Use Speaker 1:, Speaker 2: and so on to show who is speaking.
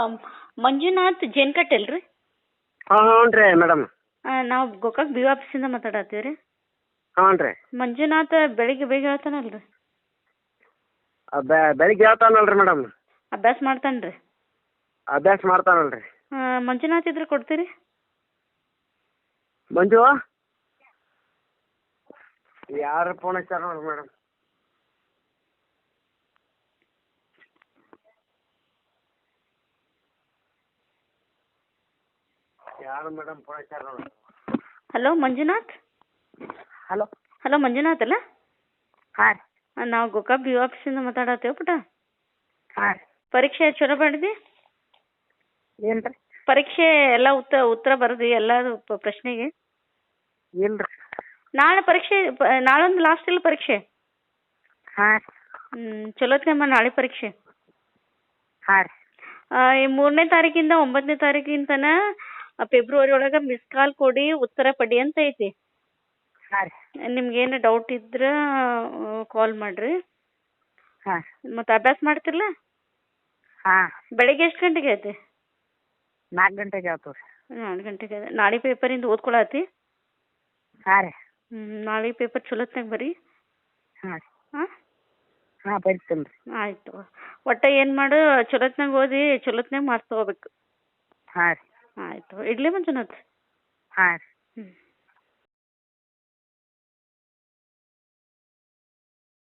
Speaker 1: ಮಂಜುನಾಥ್ ಜೇನ್ಕಟ್ ಅಲ್ರಿ?
Speaker 2: ಹ್ಞೂ ರೀ ಮೇಡಮ್.
Speaker 1: ನಾವು ಗೋಕಾಕ್ ಬಿ ಆಫೀಸಿಂದ ಮಾತಾಡತ್ತೀವಿ ರೀ.
Speaker 2: ಹ್ಞೂ ರೀ.
Speaker 1: ಮಂಜುನಾಥ್ ಬೆಳಿಗ್ಗೆ ಬೇಗ ಹೇಳ್ತಾನಲ್ರಿ?
Speaker 2: ಬೆಳಿಗ್ಗೆ ಹೇಳ್ತಾನಲ್ರಿ ಮೇಡಮ್.
Speaker 1: ಅಭ್ಯಾಸ ಮಾಡ್ತಾನೆ ರೀ?
Speaker 2: ಅಭ್ಯಾಸ ಮಾಡ್ತಾನಲ್ರಿ.
Speaker 1: ಮಂಜುನಾಥ್ ಇದ್ರೆ ಕೊಡ್ತೀರಿ?
Speaker 2: ಮಂಜು ಯಾರು ಫೋನ್ ಹಚ್ಚಾರ ನೋಡ್ರಿ ಮೇಡಮ್. ಯಾರು ಮೇಡಮ್ ಫೋನ್ ಹಚ್ಚಾರ ನೋಡ್ರಿ.
Speaker 1: ಹಲೋ ಮಂಜುನಾಥ್. ಹಲೋ ಮಂಜುನಾಥ್ ಅಲ್ಲ?
Speaker 2: ಹಾಂ ರೀ.
Speaker 1: ನಾವು ಗೋಕಾಕ್ ಬಿ ಆಫೀಸಿಂದ ಮಾತಾಡತ್ತೇವೆ ಪುಟ.
Speaker 2: ಹಾಂ ರೀ.
Speaker 1: ಪರೀಕ್ಷೆ ಚಲೋ ಮಾಡಿದಿ?
Speaker 2: ಏನು ರೀ?
Speaker 1: ಪರೀಕ್ಷೆ ಎಲ್ಲ ಉತ್ತರ ಬರ್ದಿ ಎಲ್ಲ ಪ್ರಶ್ನೆಗೆ?
Speaker 2: ಇಲ್ಲ ರೀ.
Speaker 1: ನಾಳೆ ಪರೀಕ್ಷೆ, ನಾಳೊಂದು ಲಾಸ್ಟ್ ಇಲ್ಲ ಪರೀಕ್ಷೆ?
Speaker 2: ಹಾಂ ರೀ.
Speaker 1: ಚಲೋತ್ನಮ್ಮ ನಾಳೆ ಪರೀಕ್ಷೆ.
Speaker 2: ಹಾಂ ರೀ.
Speaker 1: ಈ 3ನೇ ತಾರೀಕಿಂದ 9ನೇ ತಾರೀಕಿನ ಫೆಬ್ರವರಿ ಒಳಗೆ ಮಿಸ್ ಕಾಲ್ ಕೊಡಿ, ಉತ್ತರ ಪಡಿ ಅಂತ ಐತಿ.
Speaker 2: ಹಾಂ ರೀ.
Speaker 1: ನಿಮ್ಗೇನು ಡೌಟ್ ಇದ್ರೆ ಕಾಲ್ ಮಾಡಿರಿ.
Speaker 2: ಹಾಂ.
Speaker 1: ಮತ್ತು ಅಭ್ಯಾಸ ಮಾಡ್ತಿರಲ್ಲ?
Speaker 2: ಹಾಂ.
Speaker 1: ಬೆಳಿಗ್ಗೆ ಎಷ್ಟು ಗಂಟೆಗೆ ಐತಿ?
Speaker 2: 4 ಗಂಟೆಗೆ ಆಯ್ತು ರೀ.
Speaker 1: 4 ಗಂಟೆಗೆ. ನಾಳೆ ಪೇಪರಿಂದ ಓದ್ಕೊಳತಿ?
Speaker 2: ಹಾಂ ರೀ.
Speaker 1: ನಾಳೆ ಪೇಪರ್ ಚಲೋತ್ನಾಗ ಬರೀ.
Speaker 2: ಹಾಂ ರೀ.
Speaker 1: ಹಾಂ
Speaker 2: ಹಾಂ ಬರಿತೀನಿ ರೀ.
Speaker 1: ಆಯಿತು. ಒಟ್ಟು ಏನು ಮಾಡು, ಚಲೋತ್ನಾಗ ಓದಿ ಚಲೋತ್ನಾಗ ಮಾರ್ಕ್ಸ್ ತೊಗೋಬೇಕು.
Speaker 2: ಹಾಂ ರೀ.
Speaker 1: ಆಯಿತು. ಇಡ್ಲಿ ಮಂಜುನಾಥ್?
Speaker 2: ಹಾಂ ರೀ.